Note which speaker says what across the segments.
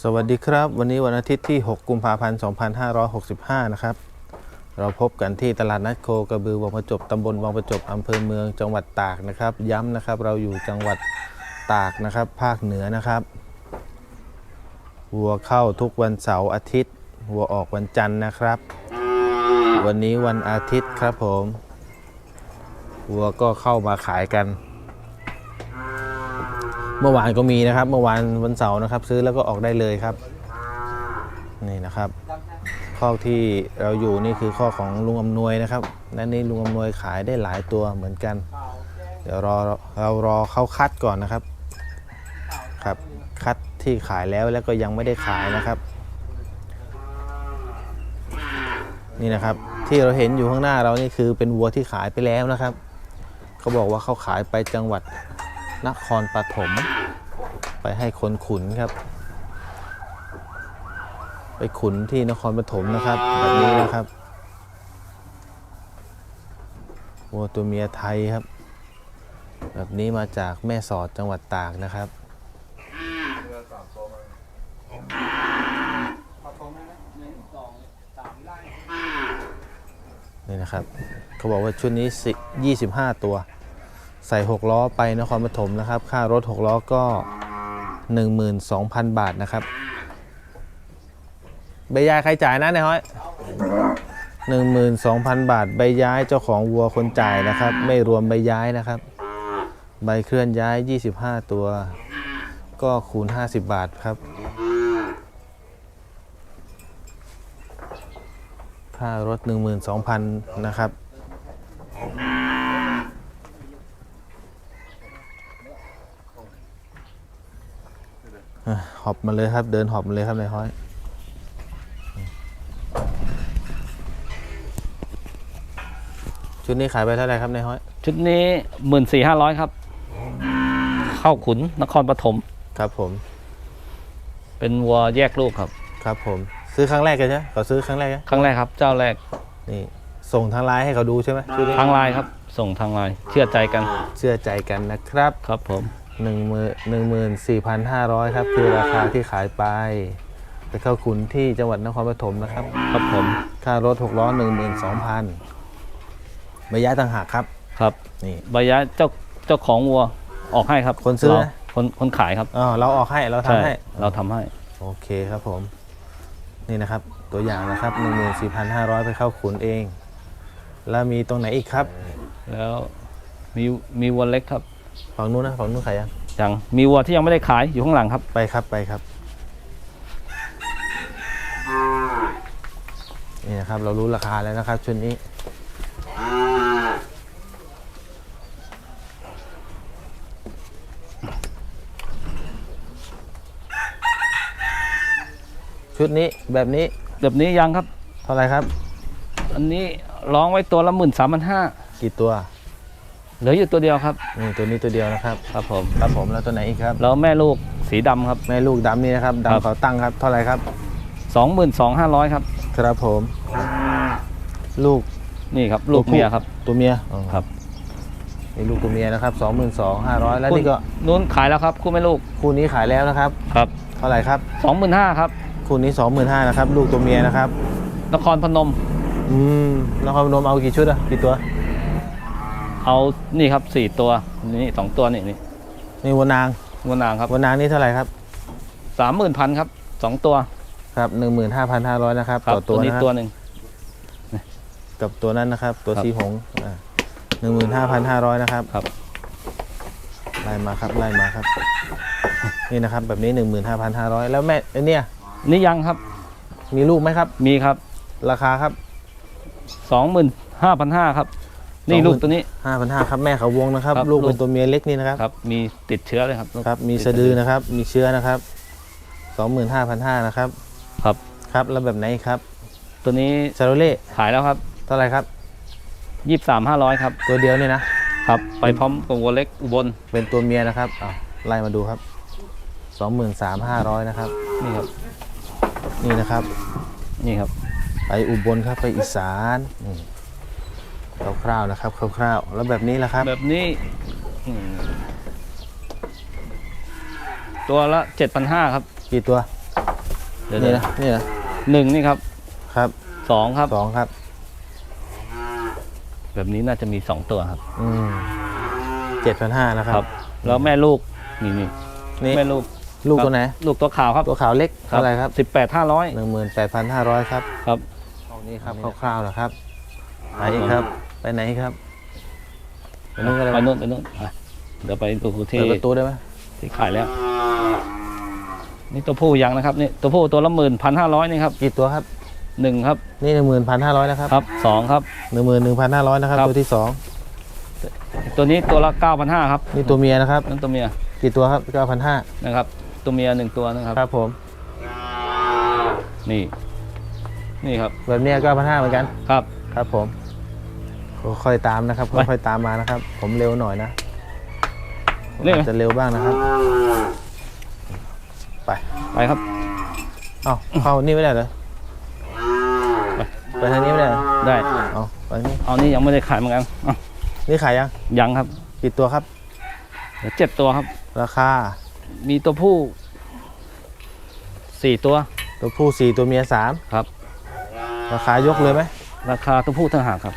Speaker 1: สวัสดีครับวันนี้วันอาทิตย์ที่ 6 กุมภาพันธ์ 2565 นะครับเราพบกันที่ตลาดนัดโคกระบือวังประจบตำบลวังประจบอำเภอเมืองจังหวัดตากนะครับย้ำนะครับเราอยู่จังหวัดตากนะครับภาคเหนือนะครับวัวเข้าทุกวันเสาร์อาทิตย์วัวออกวันจันทร์นะครับวันนี้วันอาทิตย์ครับผมวัวก็เข้ามาขายกันเมื่อวานก็มีนะครับเมื่อวานวันเสาร์นะครับซื้อแล้วก็ออกได้เลยครับนี่นะครับข้อที่เราอยู่นี่คือข้อของลุงอำนวยนะครับและนี่ลุงอำนวยขายได้หลายตัวเหมือนกันเดี๋ยวเรารอเขาคัดก่อนนะครับครับคัดที่ขายแล้วก็ยังไม่ได้ขายนะครับนี่นะครับที่เราเห็นอยู่ข้างหน้าเรานี่คือเป็นวัวที่ขายไปแล้วนะครับเขาบอกว่าเขาขายไปจังหวัดนครปฐมไปให้คนขุนครับไปขุนที่นครปฐมนะครับแบบนี้นะครับวัวตัวเมียไทยครับแบบนี้มาจากแม่สอดจังหวัดตากนะครับนี่นะครับเขาบอกว่าชุดนี้25 ตัวใส่6 ล้อไปนครปฐมนะครับค่ารถ6 ล้อก็ 12,000 บาทนะครับใบย้ายใครจ่ายนะนายฮ้อย 12,000 บาทใบย้ายเจ้าของวัวคนจ่ายนะครับไม่รวมใบย้ายนะครับใบเคลื่อนย้าย25 ตัวก็คูณ50 บาทครับค่ารถ 12,000 นะครับหอบมาเลยครับเดินหอบมาเลยครับนายฮ้อยชุดนี้ขายไปเท่าไหร่ครับนายฮ้อย
Speaker 2: ชุดนี้14,500ครับเข้าขุนนครปฐม
Speaker 1: ครับผม
Speaker 2: เป็นวัวแยกลูกครับ
Speaker 1: ครับผมซื้อครั้งแรกกันใช่ไหมเขาซื้อครั้งแรกไหม
Speaker 2: ครั้งแรกครับเจ้าแรก
Speaker 1: นี่ส่งทางไลน์ให้เขาดูใช่ไหม
Speaker 2: ทางไลน์ครับส่งทางไลน์เชื่อใจกัน
Speaker 1: นะครับ
Speaker 2: ครับผม
Speaker 1: 14,500 ครับคือราคาที่ขายไปเข้าขุนที่จังหวัดนครปฐมนะครับ
Speaker 2: ครับผม
Speaker 1: ค่ารถ6 ล้อ 12,000ใบย้ายต่างหากครับ
Speaker 2: ครับนี่ใบย้ายเจ้าของวัวออกให้ครับ
Speaker 1: คนซื้อ
Speaker 2: คนขายครับ
Speaker 1: เราออกให้เราทำให้
Speaker 2: เราทำให้
Speaker 1: โอเคครับผมนี่นะครับตัวอย่างนะครับ 14,500 ไปเข้าขุนเองแล้วมีตรงไหนอีกครับ
Speaker 2: แล้วมีวัวเล็กครับ
Speaker 1: ฝั่งนู้นนะฝั่งนู้นขาย
Speaker 2: ยังมีวัวที่ยังไม่ได้ขายอยู่ข้างหลังครับ
Speaker 1: ไปครับนี่นะครับเรารู้ราคาแล้วนะครับชุดนี้ชุดนี้แบบนี้
Speaker 2: ยังครับ
Speaker 1: เท่าไหร่ครับ
Speaker 2: อันนี้ร้องไว้ตัวละ13,500
Speaker 1: กี่ตัว
Speaker 2: เหลืออยู่ตัวเดียวครับ
Speaker 1: ตัวนี้ตัวเดียวนะครับ
Speaker 2: ครับผม
Speaker 1: แล้วตัวไหนอีกครับ
Speaker 2: แล้วแม่ลูกสีดำครับ
Speaker 1: แม่ลูกดำนี่นะครับดำเขาตั้งครับเท่าไหร่ครับ
Speaker 2: 22,500ครับ
Speaker 1: ครับผมลูก
Speaker 2: นี่ครับลูกเมียครับ
Speaker 1: ตัวเมีย
Speaker 2: ครับ
Speaker 1: นี่ลูกตัวเมียนะครับ22,500แล้วนี่ก็
Speaker 2: นู้นขายแล้วครับคู่แม่ลูก
Speaker 1: คู่นี้ขายแล้วนะครับ
Speaker 2: ครับ
Speaker 1: เท่าไหร่ครับ
Speaker 2: 25,000ครับ
Speaker 1: คู่นี้25,000นะครับลูกตัวเมียนะครับ
Speaker 2: นครพนม
Speaker 1: นครพนมเอากี่ชุดอะกี่ตัว
Speaker 2: เอานี่ครับ4 ตัวนี่2 ตัวนี่
Speaker 1: วัวนาง
Speaker 2: ครับ
Speaker 1: วัวนางนี่เท่าไหร่ครับ
Speaker 2: 30,000ครับ2 ตัว
Speaker 1: ครับ 15,500 นะครับต่อตัว
Speaker 2: นี้ตัวหนึ่ง
Speaker 1: กับตัวนั้นนะครับตัวสีหง15,500นะครับ
Speaker 2: ครับ
Speaker 1: ไล่มาครับนี่นะครับแบบนี้ 15,500แล้วแม่เนี่ย
Speaker 2: นี่ยังครับ
Speaker 1: มีลูกไหมครับ
Speaker 2: มีครับ
Speaker 1: ราคาครับ
Speaker 2: 25,500ครับนี่ลูกตัวนี้
Speaker 1: 5,500ครับแม่เขาวงนะครับลูกเป็นตัวเมียเล็กนี่นะครับ
Speaker 2: ครับมีติดเชื้อเลยครับ
Speaker 1: ครับมีสะดือนะครับมีเชื้อนะครับ 25,500นะครับครับแล้วแบบไหนครับ
Speaker 2: ตัวนี้
Speaker 1: ชาโรเล่
Speaker 2: ขายแล้วครับ
Speaker 1: เท่าไหร่ครับ
Speaker 2: 23,500ครับ
Speaker 1: ตัวเดียวเนี่ยนะครับ
Speaker 2: ไปพร้อมกับวัวเล็กอุบล
Speaker 1: เป็นตัวเมียนะครับไล่มาดูครับ 23,500นะครับ
Speaker 2: นี่ครับ
Speaker 1: นี่นะครับไปอุบลครับไปอีสานคร่าวๆนะครับคร่าวๆแล้วแบบนี้ล่ะครับ
Speaker 2: แบบนี้ตัวละ 7,500ครับ
Speaker 1: กี่ตัว
Speaker 2: เดี๋ยว
Speaker 1: นี่นะนี่นะ
Speaker 2: หนึ่งนี่ครับ
Speaker 1: ครับ
Speaker 2: สองครับ
Speaker 1: 2ครับ
Speaker 2: แบบนี้น่าจะมี2ตัวครับ
Speaker 1: 7,500นะครับ
Speaker 2: ครับ แล้วแม่ลูกนี่
Speaker 1: นี่
Speaker 2: แม่ลูก
Speaker 1: ลูกตัวไหน
Speaker 2: ลูกตัวขาวครับ
Speaker 1: ตัวขาวเล็กเท่าไหร่ครับ
Speaker 2: 18,500
Speaker 1: 18,500ครับ
Speaker 2: ครับ
Speaker 1: เอานี่ครับคร่าวๆนะครับไปอีกครับ ไปไหนครับไปนู่นก็ได้
Speaker 2: ไป
Speaker 1: ไหม
Speaker 2: นู่นอ่ะเดี๋ยวไปดูที่
Speaker 1: เปิดประตูได้ไหม
Speaker 2: ที่ขายแล้ว นี่ตัวผู้ยังนะครับนี่ตัวผู้ตัวละ11,500นี่ครับ
Speaker 1: กี่ตัวครับ
Speaker 2: 1ครับ
Speaker 1: นี่ 11,500นะครับ
Speaker 2: ครับ2ครับ
Speaker 1: 11,500นะครับ
Speaker 2: ครับ
Speaker 1: ตัวที่
Speaker 2: ตัวนี้ตัวละ9,500ครับ
Speaker 1: 2นี่ตัวเมียนะครับ
Speaker 2: นั่นตัวเมีย
Speaker 1: กี่ตัวครับ9,500
Speaker 2: นะครับ ตัวเมีย1ตัวนะครับ
Speaker 1: ครับผม
Speaker 2: นี่ครับ
Speaker 1: แบบเนี้ย9,500เหมือนกัน
Speaker 2: ครับ
Speaker 1: ครับผมค่อยๆตามนะครับ
Speaker 2: ไป
Speaker 1: ค่อยๆตามมานะครับ ผมเร็วหน่อยนะผม
Speaker 2: เร็ว
Speaker 1: อาจจะเร็วบ้างนะครับ ไป
Speaker 2: ไปครับ
Speaker 1: เอ้าเข้านี่ไม่ได้เหรอ
Speaker 2: ไป
Speaker 1: ไปทางนี้ไม่ได้เหรอ
Speaker 2: ได้
Speaker 1: เอาไปนี่
Speaker 2: เอานี่ยังไม่ได้ขายเหมือนกันอ่ะ
Speaker 1: นี่ขายยัง
Speaker 2: ยังครับ
Speaker 1: กี่ตัวครับ
Speaker 2: เดี๋ยว7ตัวครับ
Speaker 1: ราคา
Speaker 2: มีตัวผู้4ตัว
Speaker 1: ตัวผู้4ตัวเมีย3
Speaker 2: ครับ
Speaker 1: ราคายกเลยไหม
Speaker 2: ราคาตัวผู้ต่างหากครับ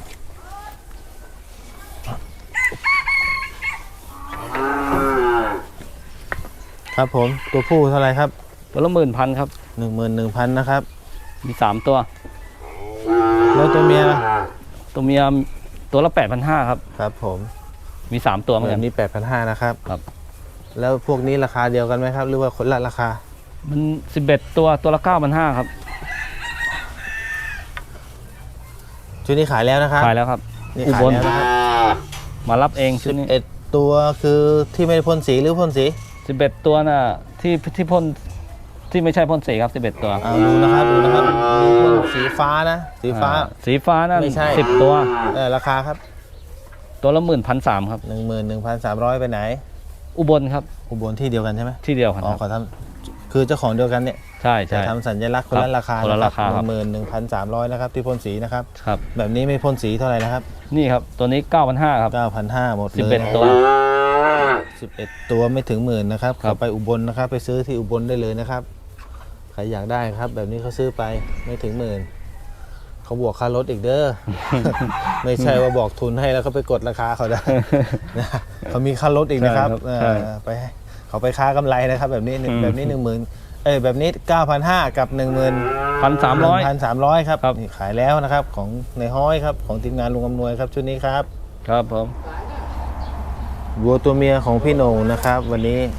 Speaker 1: ครับผมตัวผู้เท่าไหร่ครับ
Speaker 2: ตัวละ10,000ครับ
Speaker 1: 11,000นะครับ
Speaker 2: มี3ตัว
Speaker 1: แล้วตัวเมียล่ะ
Speaker 2: ตัวเมียตัวละ8,500ครับ
Speaker 1: ครับผม
Speaker 2: มี3ตัวเหมือน
Speaker 1: แบ
Speaker 2: กัน
Speaker 1: บนี้8,500นะครับ
Speaker 2: ครับ
Speaker 1: แล้วพวกนี้ราคาเดียวกันไหมครับ หรือว่าคนละราคา
Speaker 2: มัน11ตัวละ9,500ครับ
Speaker 1: ชุดนี้ขายแล้วนะครับ
Speaker 2: ขายแล้วครับ
Speaker 1: นี่
Speaker 2: อุ
Speaker 1: ขาย
Speaker 2: บล
Speaker 1: แล้วนะครับ
Speaker 2: มารับเองชุดนี้
Speaker 1: 11ตัวคือที่ไม่ได้พ่นสีหรือพ่นสี
Speaker 2: 11ตัวน่ะที่พ่นที่ไม่ใช่พ่นสีครับ11ตัว
Speaker 1: เอาดูนะครับดูนะครับมีพ่นสีฟ้านะสีฟ้า
Speaker 2: สีฟ้านั่น
Speaker 1: ไม่ใช่
Speaker 2: 10ตัว
Speaker 1: ราคาครับ
Speaker 2: ตัวละ11,300ครับ
Speaker 1: 11,300ไปไหน
Speaker 2: อุบลครับ
Speaker 1: อุบลที่เดียวกันใช่ไหม
Speaker 2: ที่เดียวกัน
Speaker 1: อ๋อ
Speaker 2: ครับ
Speaker 1: ขอทำคือเจ้าของเดียวกันเนี่ย
Speaker 2: ใช่
Speaker 1: แต่
Speaker 2: ใช่
Speaker 1: ทำสัญลักษณ์คนละราคา
Speaker 2: คนละราคาครับ
Speaker 1: 11,300นะครับที่พ่นสีนะครับ
Speaker 2: ครับ
Speaker 1: แบบนี้ไม่พ่นสีเท่าไหร่นะครับ
Speaker 2: นี่ครับตัวนี้9,500ครับ
Speaker 1: 9,500หมดเลย
Speaker 2: 11ตัว
Speaker 1: 11ตัวไม่ถึงหมื่นนะครับ
Speaker 2: ครับ
Speaker 1: เขาไปอุบลนะครับ ไปซื้อที่อุบลได้เลยนะครับใครอยากได้ครับ แบบนี้เขาซื้อไปไม่ถึงหมื่นเขาบวกค่ารถอีกเด้อ ไม่ใช่ว่าบอกทุนให้แล้วก็ไปกดราคาเขาได้ นะเขามีค่ารถอีกนะครับ
Speaker 2: ใช่
Speaker 1: ไปให้เขาไปค้ากำไรนะครับ แบบนี้
Speaker 2: อืม
Speaker 1: แบบนี้10,000แบบนี้9,500กับ
Speaker 2: 1,300
Speaker 1: 1,300ครับ
Speaker 2: ครับ
Speaker 1: นี่ขายแล้วนะครับของในห้อยครับของทีมงานลุงอำนวยครับชุดนี้ครับ
Speaker 2: ครับผม
Speaker 1: วัวตัวเมียของพี่โหน่งนะครับ วันนี้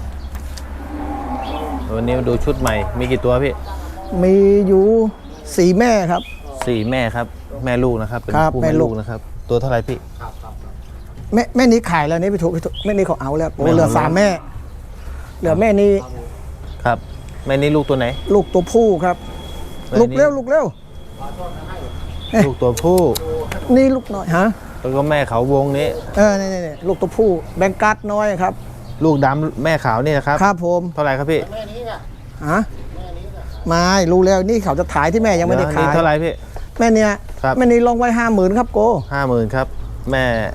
Speaker 1: มาดูชุดใหม่มีกี่ตัวพี่
Speaker 3: มีอยู่สี่แม่ครับ
Speaker 1: 4 แม่ครับ แม่ลูกนะครับเป็น
Speaker 3: ครับ
Speaker 1: คู่
Speaker 3: แม่
Speaker 1: แม่
Speaker 3: ลู
Speaker 1: ลู
Speaker 3: ก
Speaker 1: กนะครับ ตัวเท่าไหร่พี่
Speaker 3: แม่นี้ขายแล้วนี่พี่ถูกแม่นี้เขาเอาแล้วโอ้
Speaker 1: แม่
Speaker 3: เหลือ
Speaker 1: เอา
Speaker 3: สามแม่ เหลือแม่นี้
Speaker 1: ครับ แม่นี้ลูกตัวไหน
Speaker 3: ลูกตัวผู้ครับ
Speaker 1: แม่นี้
Speaker 3: ลูกเร็วลูกเร็ว
Speaker 1: ลูกตัวผู้
Speaker 3: นี่ลูกน้อยฮะ
Speaker 1: แล้วก็แม่เขาวงนี้
Speaker 3: นี่ลูกตัวผู้แบงกัดน้อยครับ
Speaker 1: ลูกดำแม่ขาวนี่นะครับ
Speaker 3: ครับผม
Speaker 1: เท่าไหร่ครับพี่
Speaker 3: ฮะไม่รู้แล้วนี่เขาจะขายที่แม่ยังไม่ได้
Speaker 1: เยว
Speaker 3: ขาย
Speaker 1: นี่เท่าไหร่พี่
Speaker 3: แม่เนี้ย
Speaker 1: ครับ
Speaker 3: แม่นี้ลงไว้50,000ครับโก
Speaker 1: 50,000ครับ แม่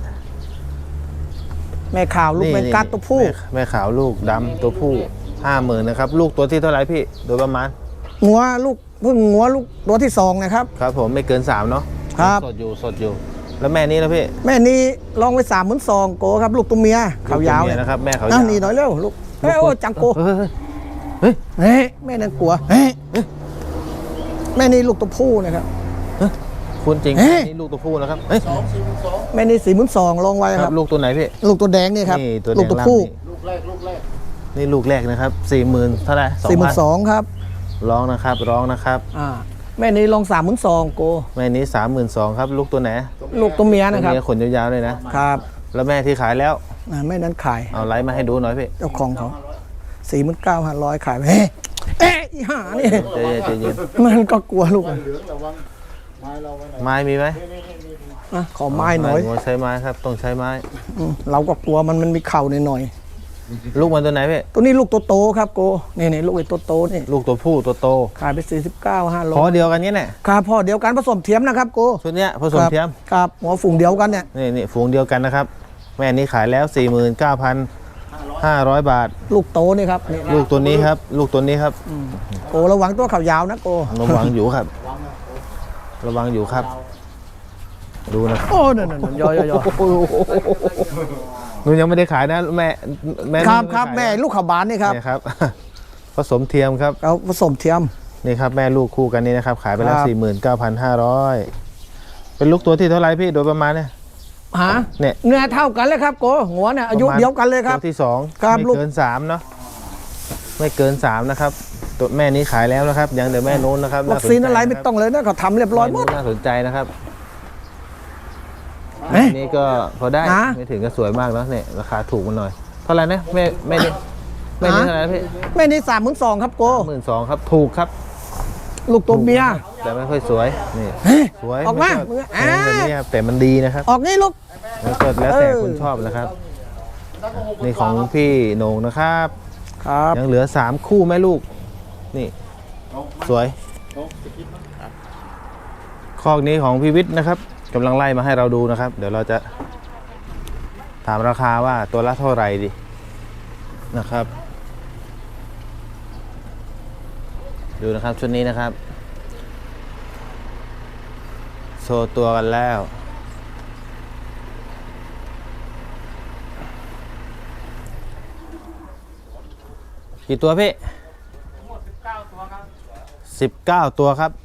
Speaker 3: แม่ข่าวลูกแบงกัดตัวผู้
Speaker 1: แม่ขาวลูกดำตัวผู้50,000นะครับ ลูกตัวที่เท่าไหร่พี่โดยประมาณ
Speaker 3: งัวลูกเพิ่งงัวลูกตัวที่2นะครับ
Speaker 1: ครับผมไม่เกิน3เนาะ
Speaker 3: ครับ
Speaker 1: สดอยู่ แล้วแม่นี้นะพี่
Speaker 3: แม่นี้ลองไว้32,000โกครับ ลูกตัวเมียขาวยาว
Speaker 1: ลูกตัวเมีนะครับ แม่เขา
Speaker 3: นั่
Speaker 1: ยาน ว
Speaker 3: นี่หน่อยเร็วลูกเฮ้ยโอ้จังโก
Speaker 1: เฮ้ย
Speaker 3: เฮ้ยแม่นั่นกลัวเฮ้ยแม่นี่ลูกตัวผู้นะครับ
Speaker 1: คุณจริง
Speaker 3: เอ๊ะ
Speaker 1: นี่ลูกตัวผู้นะครับเฮ้ย
Speaker 3: แม่นี่42,000ลงไว้
Speaker 1: ค
Speaker 3: ค
Speaker 1: รั
Speaker 3: รั
Speaker 1: บบ ลูกตัวไหนพี่
Speaker 3: ลูกตัวแดงนี่ครับ
Speaker 1: นี่ตัวแด
Speaker 3: ลูก
Speaker 1: ง
Speaker 3: ตัว
Speaker 1: ล่าง
Speaker 3: ผู้
Speaker 1: นี่ลูกแรกนะครับ40,000เท่าไหร่
Speaker 3: 42,000ครับ
Speaker 1: ร้องนะครับ
Speaker 3: แม่นี่ลง32,000โก
Speaker 1: แม่นี้32,000ครับ ลูกตัวไหน
Speaker 3: ลูกตัวเมียนะครับ
Speaker 1: ตัวเมียขนยาวๆเลยนะ
Speaker 3: ครับ
Speaker 1: แล้วแม่ที่ขายแล้ว
Speaker 3: แม่นั้นขาย
Speaker 1: เอาไลฟ์มาให้ดูหน่อยพี่
Speaker 3: เจ้าของเขา49,500ขายไปเอ๊ะอีห่านี่
Speaker 1: ใจเย็น
Speaker 3: มันก็กลัวลูก
Speaker 1: ไม้มีไหม
Speaker 3: ขอไม้หน่อย
Speaker 1: หัวใช้ไม้ครับต้องใช้ไม้
Speaker 3: เราก็กลัวมันมีเข่าหน่อย
Speaker 1: ลูกมันตัวไหนพี่
Speaker 3: ๆตัวนี้ลูกตัวโตครับโกนี่ลูกไอ้ตัวโตนี่
Speaker 1: ลูกตัวผู้ตัวโต
Speaker 3: ขายไป
Speaker 1: พอ
Speaker 3: 49,500
Speaker 1: เดียวกันเนี้ยแหละ
Speaker 3: ครับพ่อเดียวกันผสมเทียมนะครับโก
Speaker 1: ชุดเนี้ยผสมเทียม
Speaker 3: ครับหัวฝูงเดียวกันเนี่ย
Speaker 1: นี่ฝูงเดียวกันนะครับ แม่นี้ขายแล้ว 49,500 500 บาท
Speaker 3: ลูกโตนี่ครับนี่
Speaker 1: ลูกตัวนี้ครับ ลูกตัวนี้ครับ
Speaker 3: โกระวังตัวเขายาวนะโก
Speaker 1: ระวังอยู่ครับ ระวังอยู่ครับ ดูนะ
Speaker 3: โอ้นั่นย่อย
Speaker 1: หนูยังไม่ได้ขายนะแม่
Speaker 3: ครับ
Speaker 1: ยังไได้
Speaker 3: ครับ
Speaker 1: ขายนะ
Speaker 3: แม่ลูกขบานนี่ครับ
Speaker 1: เนี่ยครับ ผสมเทียมครับ
Speaker 3: เขาผสมเทียม
Speaker 1: นี่ครับแม่ลูกคู่กันนี้นะครับ ขายไปแล้ว
Speaker 3: ครับ
Speaker 1: 49,500 เป็นลูกตัวที่เท่าไหรพี่โดยประมาณเนี่ย
Speaker 3: หา
Speaker 1: เนี่ย
Speaker 3: เนื้อเท่ากันเลยครับโกหัวเนี่ยอายุเดียวกันเลยครับ
Speaker 1: ตัวที่2
Speaker 3: ครับ
Speaker 1: ไม่
Speaker 3: ลูก
Speaker 1: เกิน3เนาะไม่เกิน3นะครับตัวแม่นี้ขายแล้วนะครับยังเดี๋ยวแม่โน้นนะครับ
Speaker 3: วัคซีนอะไรไม่ต้องเลยนะเขาทำเรียบร้อยหมด
Speaker 1: แน่าสนใจนะครับ
Speaker 3: เอ๊ะ
Speaker 1: อันนี้ก็พอได้
Speaker 3: ฮะ
Speaker 1: ไม่ถึงก็สวยมากแล้วเนี่ยราคาถูกมันหน่อยเท่าไหร่นะแม่นี่เท่าไหร่นะพี่
Speaker 3: แม่นี่32,000ครับโก
Speaker 1: 12,000ครับถูกครับ
Speaker 3: ลูกตัวเมีย
Speaker 1: แต่ไม่ค่อยสวยนี่
Speaker 3: เฮ้ย
Speaker 1: สวย
Speaker 3: ออกมา
Speaker 1: ไค่ย
Speaker 3: อ่า
Speaker 1: แพงแบบนี้ครับแต่มันดีนะครับ
Speaker 3: ออกนี่ลูก
Speaker 1: แล้วก็แล้วแต่คนชอบนะครับนี่ของพี่โหน่งนะครับ
Speaker 3: ครับ
Speaker 1: ยังเหลือ3คู่แม่ลูกนี่สวยคอกนี้ของพี่วิทย์นะครับกำลังไล่มาให้เราดูนะครับ เดี๋ยวเราจะถามราคาว่าตัวละเท่าไหร่ดีนะครับ ดูนะครับชุดนี้นะครับโชว์ตัวกันแล้วกี่ตัวพี่19 ตัวครับ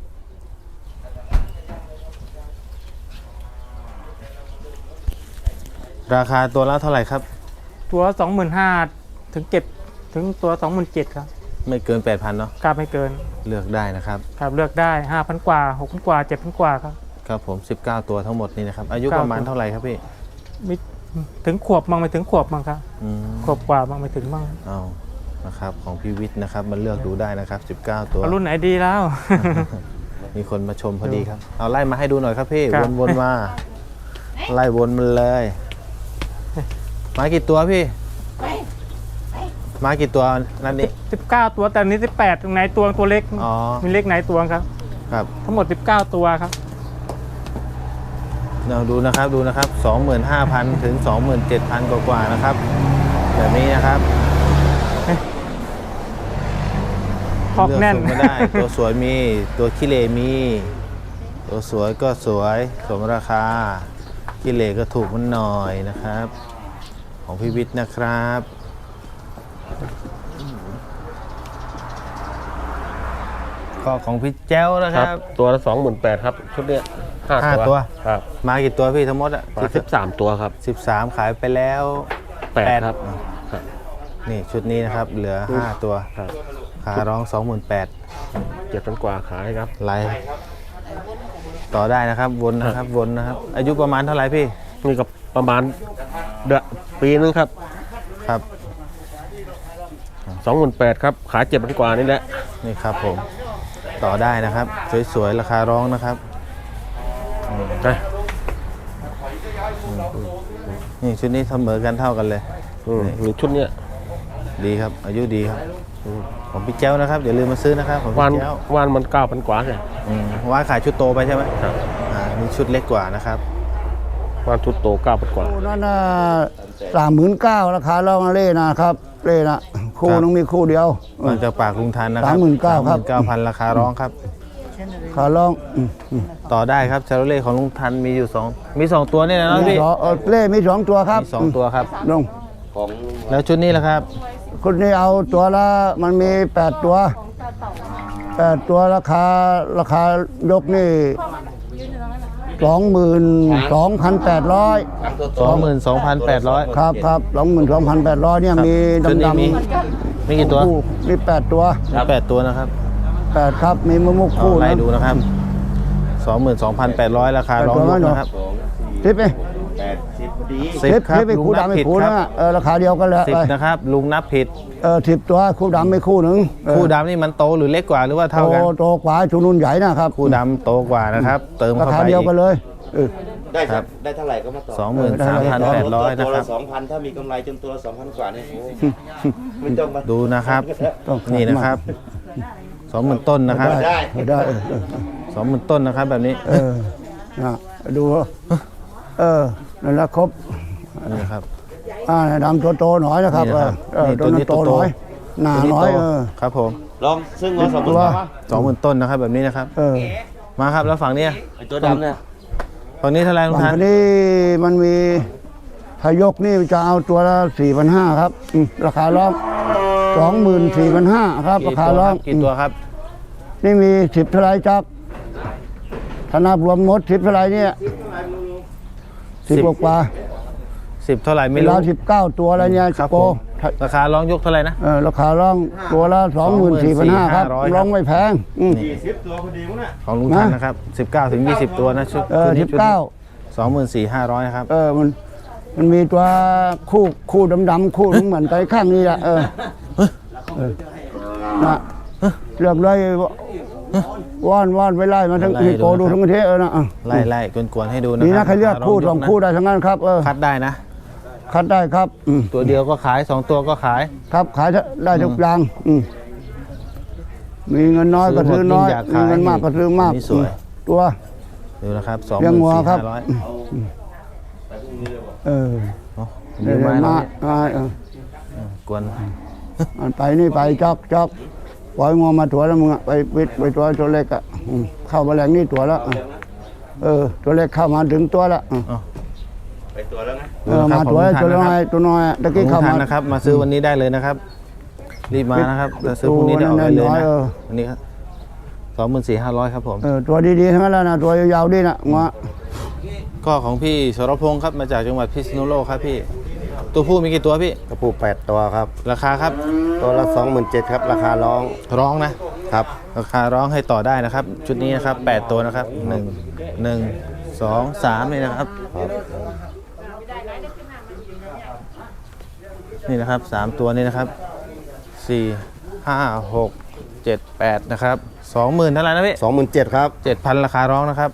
Speaker 1: ราคาตัวละเท่าไหร่ครับ
Speaker 4: ตัว 25,000ถึงเก็บถึงตัว 27,000ครับ
Speaker 1: ไม่เกิน 8,000 เนาะ
Speaker 4: กล้าไม่เกิน
Speaker 1: เลือกได้นะครับ
Speaker 4: ครับเลือกได้ 5,000 กว่า 6,000 กว่า 7,000 กว่าครับ
Speaker 1: ครับผม 19 ตัวทั้งหมดนี่นะครับ อายุ
Speaker 4: 19
Speaker 1: ประมาณเท่าไหร่ครับพี่
Speaker 4: มีถึงขวบมั่งไม่ถึงขวบมั่งครับ
Speaker 1: อืม
Speaker 4: ขวบกว่ามั่งไม่ถึงมั่ง
Speaker 1: เอานะครับของพี่วิทย์นะครับมันเลือกดูได้นะครับ 19 ตัว
Speaker 4: เอารุ่นไหนดีแล้ว
Speaker 1: มีคนมาชมพอดีครับ เอาไล่มาให้ดูหน่อยครับพี่
Speaker 4: ครับ
Speaker 1: วนๆมา ไล่วนมันเลย มากี่ตัวพี่ มากี่ตัวนั่นนี่
Speaker 4: 19 ตัวแต่อันนี้18ตรงไหนตัวเล็ก
Speaker 1: อ๋อ
Speaker 4: มีเล็กไหนตัวครับ
Speaker 1: ครับ
Speaker 4: ทั้งหมด 19 ตัวครับ
Speaker 1: เราดูนะครับดูนะครับ 25,000 ถึง 27,000 กว่าๆนะครับ แบบนี้นะครับ
Speaker 4: คอกแน่น
Speaker 1: เลือกส่งมาได้ ตัวสวยมีตัวขี้เหร่มี ตัวสวยก็สวยสมราคาขี้เหร่ก็ถูกมันหน่อยนะครับ ของพี่วิทย์นะครับก็ของพี่แจ้วนะค
Speaker 5: ค
Speaker 1: รั
Speaker 5: รับ บตัวละ28,000ครับชุดเนี้ย
Speaker 1: ห้า
Speaker 5: 5
Speaker 1: ตัว
Speaker 5: ครับ
Speaker 1: มากี่ตัวพี่ทั้งหมดอ่ะ
Speaker 5: มา13 ตัวครับ
Speaker 1: 13 ขายไปแล้ว
Speaker 5: 8ครับครับ
Speaker 1: นี่ชุดนี้นะครับเหลือ 5 ตัว
Speaker 5: ครับ
Speaker 1: ขาร้อง 28,000
Speaker 5: 7,000 กว่าขายครับ
Speaker 1: ไลฟ์ต่อได้นะครับวนนะครับวนนะครับ อายุประมาณเท่าไหร่พี่
Speaker 5: นี่ก็ประมาณเดือนปีนึงครับ
Speaker 1: ครับ
Speaker 5: 28,000ครับขาย7,000 กว่านี่แหละ
Speaker 1: นี่ครับผมต่อได้นะครับ สวยๆราคาร้องนะครับ
Speaker 5: นะ
Speaker 1: นี่ชุดนี้เสมอกันเท่ากันเลย
Speaker 5: มีชุดเนี้ย
Speaker 1: ดีครับ อายุดีครับของพี่แจ้วนะครับอย่าลืมมาซื้อนะครับของ
Speaker 5: วาน
Speaker 1: พี่แจ้ว
Speaker 5: วานมัน 9,000 กว่าใช่
Speaker 1: ว่าขายชุดโตไปใช่ไหม
Speaker 5: ครับ
Speaker 1: นี่ชุดเล็กกว่านะครับ
Speaker 5: วานชุดโต 9,000 กว่า
Speaker 3: คู่นั้นน่ะ39,000ราคาลองเล่นะครับเล่นะคู่นึงมีคู่เดียว
Speaker 1: มาจากปากลุงทันนะครับ
Speaker 3: 39,000ครับ
Speaker 1: 39,000 ราคาร้องครับ
Speaker 3: ขาลอง
Speaker 1: ต่อได้ครับชาโรเล่ของลุงทันมีอยู่มีสองตัวนี่นะ
Speaker 3: มี
Speaker 1: พี่
Speaker 3: สองเล่มี2ตัวครับ
Speaker 1: มีสองตัวครับ
Speaker 3: ลง
Speaker 1: แล้วชุดนี้ล่ะครับ
Speaker 3: คุณนี่เอาตัวละมันมี8ตัว8ตัวราคายกนี่ 22,800
Speaker 1: 22,800
Speaker 3: ครับครับ22,800เนี่ยมี
Speaker 1: ชุดนี้
Speaker 3: ดำ
Speaker 1: มีกี่ตัว
Speaker 3: คู่มี8ตัว
Speaker 1: มี8ตัวนะครับ
Speaker 3: 8ครับมีมะมุก
Speaker 1: เอา
Speaker 3: คู่
Speaker 1: ไล่
Speaker 3: นะ
Speaker 1: ดูนะครับ 22,800 ราคาร้องยกนะครับ
Speaker 3: ทิปไหม
Speaker 1: 10ครับ
Speaker 3: ทิปไป
Speaker 1: ลุง
Speaker 3: คู่
Speaker 1: นับ
Speaker 3: ดำไม่
Speaker 1: ผิด
Speaker 3: คู่
Speaker 1: ครั
Speaker 3: นะ
Speaker 1: บ
Speaker 3: ราคาเดียวกันแหละ
Speaker 1: 10นะครับลุงนับผิด
Speaker 3: 10ตัวคู่ดำไม่คู่หนึ่ง
Speaker 1: คู่ดำนี่มันโตหรือเล็กกว่าหรือว่าเท่ากัน
Speaker 3: โตกว่าชุนุ่นใหญ่นะครับ
Speaker 1: คู่ดำโตกว่านะครับ เติม
Speaker 3: รา
Speaker 1: เข้า
Speaker 3: คา
Speaker 1: ไป
Speaker 3: เดียว
Speaker 1: อีก
Speaker 3: กันเลย
Speaker 6: ได้
Speaker 1: ครับ
Speaker 6: ได้เท่าไหร่ก็มาต่อ
Speaker 1: 23,800 นะ
Speaker 6: ตัว
Speaker 1: ครั
Speaker 6: ละ
Speaker 1: บ
Speaker 6: 2,000 ถ้ามีกำไรจนตัวละ 2,000 กว่าเนี่ยโอ้ไม่ต้องมา
Speaker 1: ดูนะครับ
Speaker 3: ต้องขาย
Speaker 1: นี่นะครับ 20,000 ต้นนะครับ
Speaker 3: ได้
Speaker 1: 20,000 ต้นนะครับแบบนี้
Speaker 3: นะดูนั่นแหละครบ
Speaker 1: นี่ครับ
Speaker 3: ดำตัวโตหน่อยนะครับ
Speaker 1: นี่นะครับ นี่
Speaker 3: ตัวนั้นโตหน่อยหนาหน่อย
Speaker 1: ครับผม
Speaker 6: ลองซึ่งเอาสองหมื่น
Speaker 3: ตัว
Speaker 6: สาม
Speaker 1: 20,000 ต้นนะครับ แบบนี้นะครับ มาครับแล้วฝั่งเนี้ย
Speaker 6: ไอตัวดำเนี่ย
Speaker 1: ฝั่งนี้เท่าไหร่ลุง
Speaker 3: ฝั่
Speaker 1: ทั
Speaker 3: ง
Speaker 1: น
Speaker 3: นี้มันมีพายกนี่จะเอาตัวละ4,500ครับราคาร้อง24,500ครับ ราคาร้อง
Speaker 1: กี่ตัวครับ
Speaker 3: นี่มี10เท่าไรจักถ้านับรวมหมด10เท่าไรเนี่ย10กว่า
Speaker 1: 10 เท่าไหร่
Speaker 3: เว
Speaker 1: ไม่รู้
Speaker 3: ลา19ตัวอะไรเนี่ย
Speaker 1: ครับ
Speaker 3: โป
Speaker 1: ผมราคาร้องยกเท่าไหร่นะ
Speaker 3: ราคาร้องตัวละ24,500ครับ
Speaker 1: 24,500
Speaker 3: ร้องไม่แพง
Speaker 6: 40 ตัวพอดีมั้งน่ะ
Speaker 1: ของลุงทันนะครับ19 ถึง 20 ตัวนะชุด
Speaker 3: 19
Speaker 1: 24,500นะครับ
Speaker 3: มันมีตัวคู่ดำๆคู่นึงเหมือนไก่ข้างนี้อ่ะนะเลือกเลยว่อนไว้ไล่มาทั้งฮิโปดูทั้งประเทศนะ
Speaker 1: ไล่กวนๆให้ดูนะ
Speaker 3: นี่
Speaker 1: ครั
Speaker 3: นะใครเลือกคู่สองคู่ได้ทั้งนั้นครับ
Speaker 1: คัดได้นะ
Speaker 3: คัดได้ครับ
Speaker 1: ตัวเดียวก็ขาย 2 ตัวก็ขาย
Speaker 3: ครับขายได้ทุกอย่างมีเงินน้อยก็ซื้อน้อย
Speaker 1: ซื้อหมดยิ่งอยากขาย
Speaker 3: มีเงินมากก็ซื้อมาก
Speaker 1: นี่สวย
Speaker 3: ตัว
Speaker 1: ดูนะครับ
Speaker 3: เลี้ยงวัวครับ
Speaker 1: 24,500
Speaker 3: เออ
Speaker 1: โอ้
Speaker 3: เดี๋
Speaker 1: เดี๋
Speaker 3: ย
Speaker 1: ยว วมา กวน
Speaker 3: มันไปนี่ไปจอกปล่อยงัวมาตัวแล้วมึงไปวิทย์ไปตัวเล็กอ่ะเข้ามาแรงนี่ตัวแล้วตัวเล็กเข้ามาถึงตัวแล้ว
Speaker 6: ไปตัวแล้วไง
Speaker 3: มาตัวน้อยตะกี้
Speaker 1: ลุง
Speaker 3: เข้า
Speaker 1: ทั
Speaker 3: มาน
Speaker 1: นะครับ มาซื้อวันนี้ได้เลยนะครับ รีบมานะครับจะซื้อพรุ่งนี้ได้ออกได้เลยนะวันนี้ครับ24,500 ครับผม
Speaker 3: ตัวดีๆทั้งนั้นแล้วนะตัวยาวๆดีนะงัว
Speaker 1: ก็ของพี่สรพงศ์ครับมาจากจังหวัดพิษณุโลกครับพี่ ตัวผู้มีกี่ตัวพี่
Speaker 5: กระปู8ตัวครับ
Speaker 1: ราคาครับ
Speaker 5: ตัวละ27,000ครับ ราคาร้อง
Speaker 1: ร้องนะ
Speaker 5: ครับ
Speaker 1: ราคาร้องให้ต่อได้นะครับ ชุดนี้นะครับ8ตัวนะครับ1 2 3นี่นะครับ นี่นะครับ3ตัวนี้นะครับ4 5 6 7 8นะครับ20,000เท่าไหร่นะพี่
Speaker 5: 27,000ครับ
Speaker 1: 7,000ราคาร้องนะครับ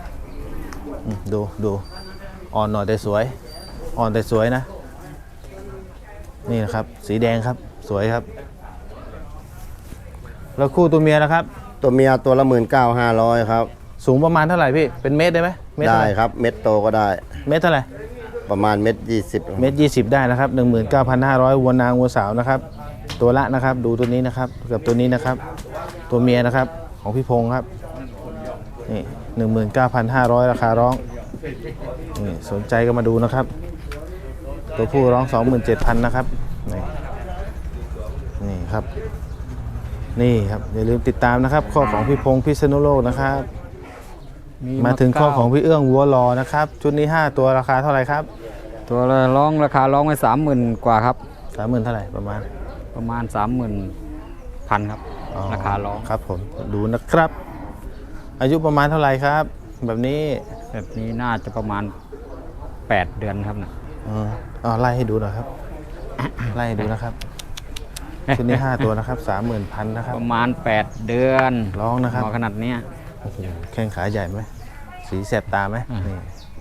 Speaker 1: ดูอ่อนหน่อยแต่สวย อ่อนแต่สวยนะ นี่นะครับ สีแดงครับสวยครับ แล้วคู่ตัวเมียนะครับ
Speaker 5: ตัวเมียตัวละ19,500ครับ
Speaker 1: สูงประมาณเท่าไหร่พี่เป็นเมตรได้ไหมเมตร
Speaker 5: ได้
Speaker 1: เท่าไหร่
Speaker 5: ครับ เม็ดโตก็ได้
Speaker 1: เมตรเท่าไหร่
Speaker 5: ประมาณเม็ด20
Speaker 1: เมตร20ได้นะครับ 19,500วัวนางวัวสาวนะครับ ตัวละนะครับ ดูตัวนี้นะครับกับตัวนี้นะครับ ตัวเมียนะครับของพี่พงษ์ครับนี่19,500ราคาร้องนี่สนใจก็มาดูนะครับ ตัวผู้ร้อง 27,000นะครับนี่ครับนี่ครับอย่าลืมติดตามนะครับข้อของพี่พงษ์พิษณุโลกนะครับมาถึงข้อของพี่เอื้องวัวรอนะครับชุดนี้5ตัวราคาเท่าไหร่ครับ
Speaker 7: ตัวละราคาร้องไว้30,000 กว่าครับ
Speaker 1: 30,000เท่าไหร่ประมาณ
Speaker 7: 30,000 ครับ ราคาร้อง
Speaker 1: ครับผมดูนะครับ อายุประมาณเท่าไหร่ครับ แบบนี้
Speaker 7: แบบนี้น่าจะประมาณ8 เดือนครับนะ
Speaker 1: ไล่ให้ดูหน่อยครับ ไล่ให้ดูนะครับชุดนี้5ตัวนะครับ 30,000นะครับ
Speaker 7: ประมาณ8 เดือน
Speaker 1: ร้องนะครับ
Speaker 7: หมอขนาดเนี้ย
Speaker 1: โอ้โหแข้งขาใหญ่ไหมสีแสบตาไหมนี่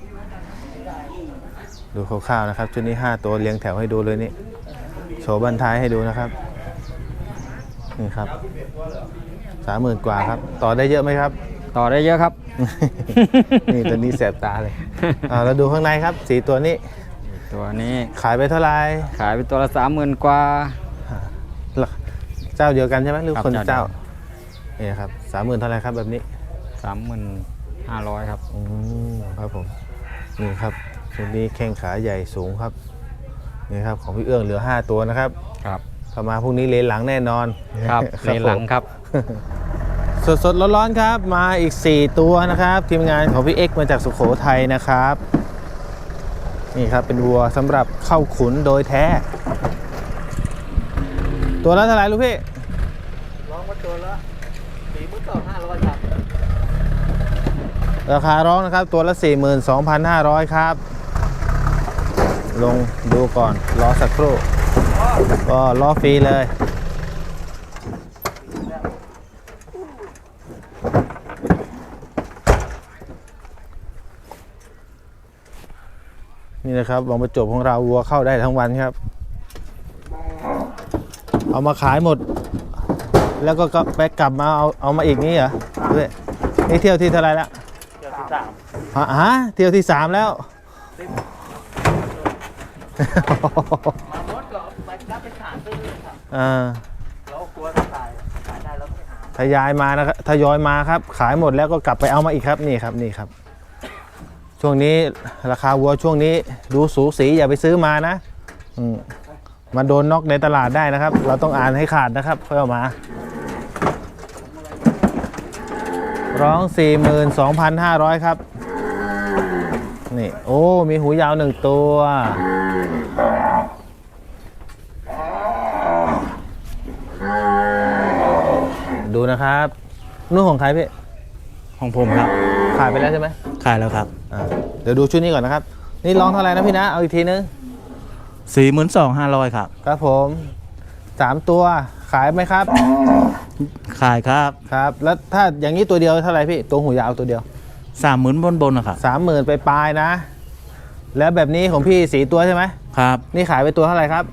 Speaker 1: ดูคร่าวๆนะครับชุดนี้5ตัวเรียงแถวให้ดูเลยนี่โชว์บันท้ายให้ดูนะครับนี่ครับ30,000 กว่าครับต่อได้เยอะไหมครับ
Speaker 7: ต่อได้เยอะครับ
Speaker 1: นี่ตัวนี้แสบตาเลยแล้วดูข้างในครับสีตัวนี้
Speaker 7: ตัวนี้
Speaker 1: ขายไปเท่าไหร่
Speaker 7: ขายไปตัวละ30,000 กว่า
Speaker 1: เจ้าเดียวกันใช่ไหมหรือ
Speaker 7: ครับ
Speaker 1: คนละ
Speaker 7: เจ้า
Speaker 1: เจ้านี่ครับ30,000เท่าไหร่ครับแบบนี้
Speaker 7: 35,000 ครับ
Speaker 1: ครับผมนี่ครับชุดนี้แข้งขาใหญ่สูงครับนี่ครับของพี่เอื้องเหลือ5ตัวนะครับ
Speaker 7: ครับ
Speaker 1: ถ้ามาพรุ่งนี้เลนหลังแน่นอน
Speaker 7: ครับเลนหลังครับ
Speaker 1: สดๆร้อนๆครับมาอีก4ตัวนะครับทีมงานของพี่เอ็กซ์มาจากสุโขทัยนะครับนี่ครับเป็นวัวสำหรับเข้าขุนโดยแท้ ตัวละเท่าไหร่ลูกพี่ร้องมาตัวละ42,500ครับราคาร้องนะครับตัวละ 42,500 ครับลงดูก่อนรอสักครู่ก็รอฟรีเลยนี่นะครับวังประจวบของเราวัวเข้าได้ทั้งวันครับเอามาขายหมดแล้วก็ไปกลับมาเอามาอีกนี่เหรอด้วยนี่เที่ยวที่เท่าไรแล้วเที่ยวที่3เที่ยวที่3แล้วเรากลัวขายได้แล้วทยอยมานะครับทยอยมาครับขายหมดแล้วก็กลับไปเอามาอีกครับนี่ครับช่วงนี้ราคาวัวช่วงนี้ดูสูสีอย่าไปซื้อมานะมาโดนน็อกในตลาดได้นะครับ เราต้องอ่านให้ขาดนะครับค่อยเอามาร้อง 42,500 ครับนี่โอ้มีหูยาว1ตัวดูนะครับนู่นของใครพี่
Speaker 6: ของผมครับ
Speaker 1: ขายไปแล้วใช่ไหม
Speaker 6: ขายแล้วครับ
Speaker 1: เดี๋ยวดูชุดนี้ก่อนนะครับนี่ร้องเท่าไหร่นะพี่นะเอาอีกทีนึง
Speaker 6: 42,500 ครับ
Speaker 1: ครับผม3ตัวขายไหมครับ
Speaker 6: ขายครับ
Speaker 1: ครับแล้วถ้าอย่างนี้ตัวเดียวเท่าไหร่พี่ตัวหูยาวตัวเดียว
Speaker 6: 30,000บนนะครับ
Speaker 1: 30,000ไปปลายๆนะ แล้วแบบนี้ของพี่4ตัวใช่ไหม
Speaker 6: ครับ
Speaker 1: นี่ขายไปตัวเท่าไหร่ครับ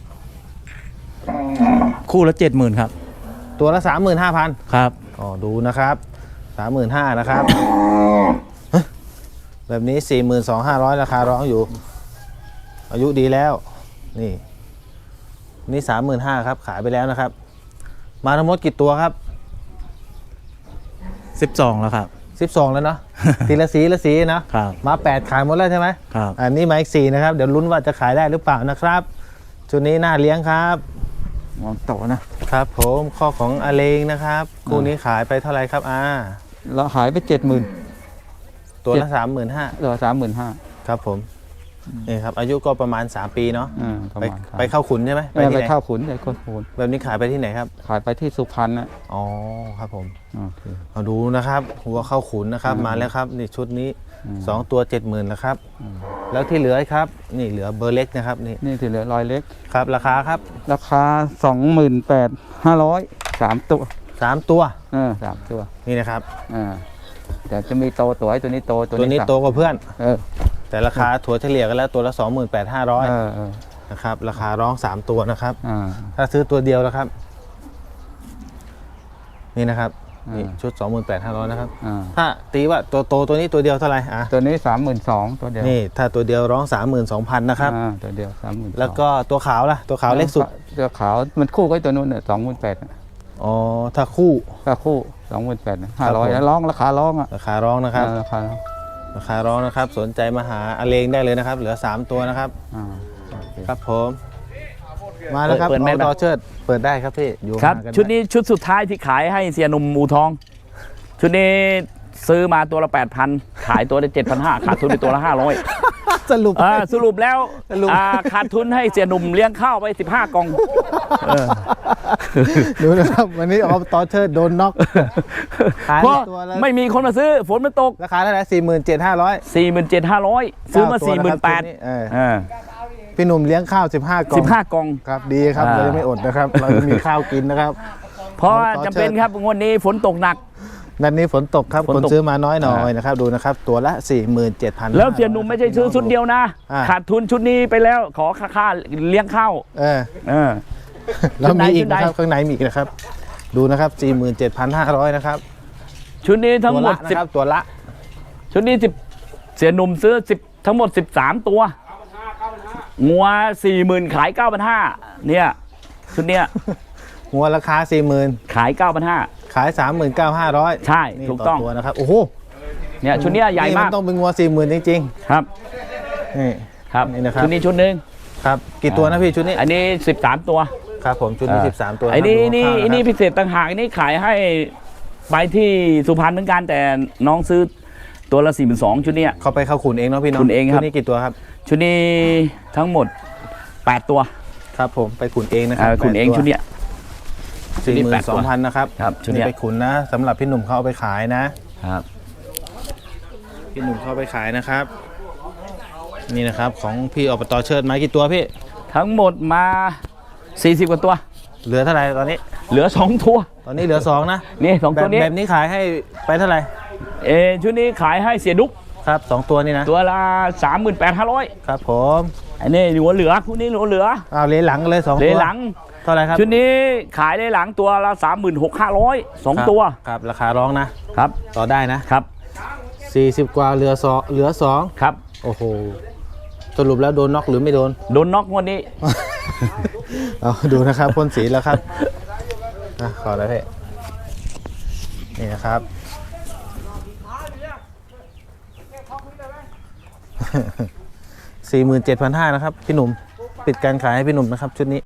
Speaker 6: คู่ละ 70,000 ครับ
Speaker 1: ตัวละ 35,000
Speaker 6: ครับ
Speaker 1: อ๋อดูนะครับ 35,000นะครับแบบนี้ 42,500 ราคาร้องอยู่ อายุดีแล้วนี่ 35,000 ครับขายไปแล้วนะครับ มาทั้งหมดกี่ตัวครับ
Speaker 6: 12 แล้วครับ
Speaker 1: 12 แล้วเนาะ ทีละสีนะครับ มา 8 ขายหมดแล้วใช่ไหม
Speaker 6: ครับ
Speaker 1: อันนี้มาอีก4นะครับเดี๋ยวลุ้นว่าจะขายได้หรือเปล่านะครับชุดนี้น่าเลี้ยงครับ
Speaker 7: มองโตนะครับ
Speaker 1: ผมข้อของอาเลงนะครับคู่นี้ขายไปเท่าไหร่ครับ
Speaker 7: เราหายไป70,000
Speaker 1: ตัวละ 35,000
Speaker 7: เหลือ35,000
Speaker 1: ครับผมนี่ครับอายุก็ประมาณ3ปีเนาะ
Speaker 7: ประ
Speaker 1: ไป
Speaker 7: มาณ
Speaker 1: ไปเข้าขุนใช่ไหม
Speaker 7: ไป
Speaker 1: ที่หน
Speaker 7: เข้าขุนไปเข้าขุน
Speaker 1: แบบนี้ขายไปที่ไหนครับ
Speaker 7: ขายไปที่สุพรรณนะ
Speaker 1: อ๋อครับผม
Speaker 7: โอเค
Speaker 1: เอาดูนะครับหัวเข้าขุนนะครับมาแล้วครับนี่ชุดนี้2ตัว 70,000แล้วครับแล้วที่เหลือครับนี่เหลือเบอร์เล็กนะครับนี่
Speaker 7: นี่ที่เหลือรอยเล็ก
Speaker 1: ครับราคาครับ
Speaker 7: ราคา 28,500 3 ตัว
Speaker 1: 3 ตัว
Speaker 7: 3 ตัว
Speaker 1: นี่นะครับ
Speaker 7: แต่จะมีโตตัวให้ตัวนี้โต
Speaker 1: ตัวนี้โตกว่าเพื่อน
Speaker 7: เออ
Speaker 1: แต่ราคาถั่วเฉลี่ยกันแล้วตัวละ
Speaker 7: เออ
Speaker 1: 28,500นะครับราคาร้อง3ตัวนะครับ
Speaker 7: อ่า
Speaker 1: ถ้าซื้อตัวเดียวแล้วครับนี่นะครับนี่ชุด 28,500นะครับ ถ้าตีว่าตัวโตตัวนี้ตัวเดียวเท่าไหร่
Speaker 7: ตัวนี้ 32,000ตัวเดียว
Speaker 1: นี่ถ้าตัวเดียวร้อง 32,000นะครับ
Speaker 7: ตัวเดียว 32,000
Speaker 1: แล้วก็ตัวขาวล่ะตัวขาวเล็กสุด
Speaker 7: ตัวขาวมันคู่กับตัวนู้นเนี่ย28,000
Speaker 1: อ๋อถ้าคู่
Speaker 7: ถ้าคู่ 28,500แล้วร้องราคาร้องอ่ะ
Speaker 1: ราคาร้องนะครับ
Speaker 7: ราคาร้อง
Speaker 1: ราคาร้องนะครับสนใจมาหาอาเลงได้เลยนะครับเหลือ3ตัวนะครับ
Speaker 7: โอเค
Speaker 1: ครับผมมาแล้วครับ
Speaker 2: เปิดแม่
Speaker 1: ต่อเชิดเปิดได้ครับพี่อยู่
Speaker 2: ครับ
Speaker 1: ห่างกั
Speaker 2: ชุดนี้ชุดสุดท้ายที่ขายให้เสียหนุ่มอูทอง ชุดนี้ซื้อมาตัวละ 8,000 ขายตัวละ 7,500 ขาดทุนไปตัวละ 500
Speaker 1: สรุป
Speaker 2: สรุปแล้ว
Speaker 1: สรุป
Speaker 2: ขาดทุนให้เสียหนุ่มเลี้ยงข้าวไป15 กล่อง
Speaker 1: ดูนะครับวันนี้ต่อเชิดโดนน็อกขาย
Speaker 2: เพราะ
Speaker 1: ตัวละ
Speaker 2: ไม่มีคนมาซื้อฝนมันตก
Speaker 1: ราคาเท่าไหร่47,500
Speaker 2: 47,500 ซื้อมา
Speaker 1: 9ตัวนะครับชุดนี้
Speaker 2: 48,000
Speaker 1: พี่หนุ่มเลี้ยงข้าว15 กล่อง
Speaker 2: 15 กล่อง
Speaker 1: ครับดีครับเราจะไม่อดนะครับ เราจะมีข้าวกินนะครับ
Speaker 2: เพราะว่าจำเป็นครับงวดนี้ฝนตกหนัก
Speaker 1: นัดนี้ฝนตกครับ
Speaker 2: ฝน
Speaker 1: คน
Speaker 2: ตก
Speaker 1: ซื้อมาน้อยหน่อยนะครับดูนะครับตัวละ 47,000
Speaker 2: แล้วเสียหนุ่มไม่ใช่ซื้อชุดเดียวนะ ขาดทุนชุดนี้ไปแล้วขอค่าเลี้ยงข้าว
Speaker 1: แล้วมีอีก
Speaker 2: ชุดใด
Speaker 1: นะครับข้างในมีอีกนะครับ ดูนะครับ 47,500 นะครับ
Speaker 2: ชุดนี้ทั้งหมด
Speaker 1: ตัวละนะครับตัวละ
Speaker 2: ชุดนี้10เสียหนุ่มซื้อ10ทั้งหมด13 ตัวงัว 40,000 ขาย 9,500 เนี่ยชุดเนี้ย
Speaker 1: หัวราคา 40,000
Speaker 2: ขาย 9,500
Speaker 1: ขาย 39,500
Speaker 2: ใช่
Speaker 1: นี่
Speaker 2: ถูกต้อง
Speaker 1: ตัวนะครับโอ้โห
Speaker 2: เนี่ยชุดเนี้ยใหญ่มาก
Speaker 1: นต้องเป็นงัว 40,000 จริง
Speaker 2: ครับ
Speaker 1: ๆนี่
Speaker 2: ครับ
Speaker 1: นี่นะครับ
Speaker 2: ชุดนี้ชุดหนึ่ง
Speaker 1: ครับกี่ตัวนะพี่ชุดนี้
Speaker 2: อันนี้13 ตัว
Speaker 1: ครับผมชุดนี้13 ตัว
Speaker 2: ไอ้นี่
Speaker 1: ครับ
Speaker 2: นี่
Speaker 1: ดู
Speaker 2: ไอ้นี่
Speaker 1: ข้าวะครับ
Speaker 2: พิเศษต่างหากไอ้นี่ขายให้ไปที่สุพรรณเหมือนกันแต่น้องซื้อตัวละ 42,000 ชุดเนี้ย
Speaker 1: เขาไปเข้าขุนเองเนาะพี่เน้อง
Speaker 2: ขุนเองครับ
Speaker 1: ชุดนี้กี่ตัวครับ
Speaker 2: ชุดนี้ทั้งหมด 8 ตัว
Speaker 1: ครับผมไปขุนเองนะครั
Speaker 2: คุณเอง
Speaker 1: 8ตัว
Speaker 2: ชุดเนี้ย ชุดนี้8
Speaker 1: 42,000 นะครับ
Speaker 2: ครับชุดเนี้ย
Speaker 1: ไปขุนนะสำหรับพี่หนุ่มเขาเอาไปขายนะครับ พี่หนุ่มเขาเอาไปขายนะครับ นี่นะครับของพี่อบตเชิดมากี่ตัวพี่
Speaker 2: ทั้งหมดมา 40 กว่าตัว
Speaker 1: เหลือเท่าไหร่ตอนนี้
Speaker 2: เหลือ 2 ตัว
Speaker 1: ตอนนี้เหลือ2นะ
Speaker 2: นี่2ตัวนี้
Speaker 1: แบบนี้ขายให้ไปเท่าไหร่
Speaker 2: ชุดนี้ขายให้เสียดุ๊ก
Speaker 1: ครับ2ตัวนี่นะ
Speaker 2: ตัวละ 38,500
Speaker 1: ครับผม
Speaker 2: อันนี้หัวเหลือคู่นี้หัวเหลือ
Speaker 1: เอาเลหลังเลย2ตัว
Speaker 2: เลหลัง
Speaker 1: เท่าไหร่ครับ
Speaker 2: ชุดนี้ขายเลหลังตัวละ 36,500 2 ตัว
Speaker 1: ครับราคาร้องนะครับ ต่อได้นะครับ 40 กว่าเหลือ2
Speaker 2: ครับ
Speaker 1: โอ้โหสรุปแล้วโดนน็อกหรือไม่โดน
Speaker 2: โดนน็อกงวันนี้
Speaker 1: เอาดูนะครับพ่นสีแล้วครับขอแล้วพี่นี่นะครับ 47,500นะครับพี่หนุ่มปิดการขายให้พี่หนุ่มนะครับชุดนี้